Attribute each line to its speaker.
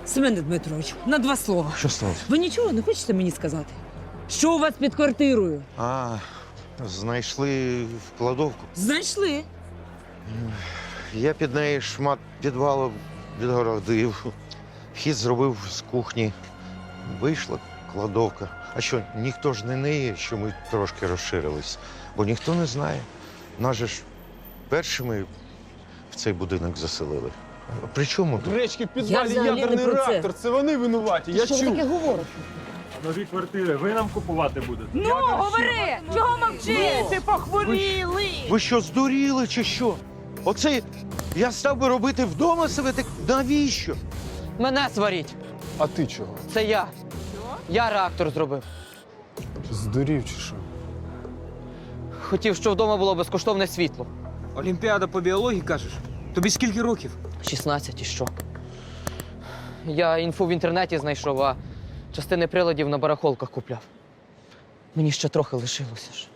Speaker 1: Семене Дмитрович, на два слова.
Speaker 2: Що сталося?
Speaker 1: Ви нічого не хочете мені сказати? Що у вас під квартирою?
Speaker 2: Знайшли в кладовку.
Speaker 1: Знайшли.
Speaker 2: Я під неї шмат підвалу відгородив. Вхід зробив з кухні. Вийшла кладовка. А що, ніхто ж не неє, що ми трошки розширились. Бо ніхто не знає. Нас же ж першими в цей будинок заселили. А при чому тут?
Speaker 3: Гречки в
Speaker 1: Я
Speaker 3: підвалі
Speaker 1: взагалі не
Speaker 3: ядерний
Speaker 1: про це.
Speaker 3: реактор. Це вони винуваті. Я
Speaker 1: Що ви
Speaker 3: чув.
Speaker 1: таке говорите?
Speaker 4: Нові квартири ви нам купувати будете?
Speaker 5: Ну, говори! Чого мовчиш?
Speaker 1: Ти похворіли!
Speaker 2: Ви що, здуріли чи що? Оце я став би робити вдома себе, так навіщо?
Speaker 6: Мене сваріть.
Speaker 3: А ти чого?
Speaker 6: Це я. Я реактор зробив.
Speaker 3: Здурів чи що?
Speaker 6: Хотів, щоб вдома було безкоштовне світло.
Speaker 7: Олімпіада по біології, кажеш? Тобі скільки років?
Speaker 6: 16 і що? Я інфу в інтернеті знайшов, а частини приладів на барахолках купляв. Мені ще трохи лишилося ж.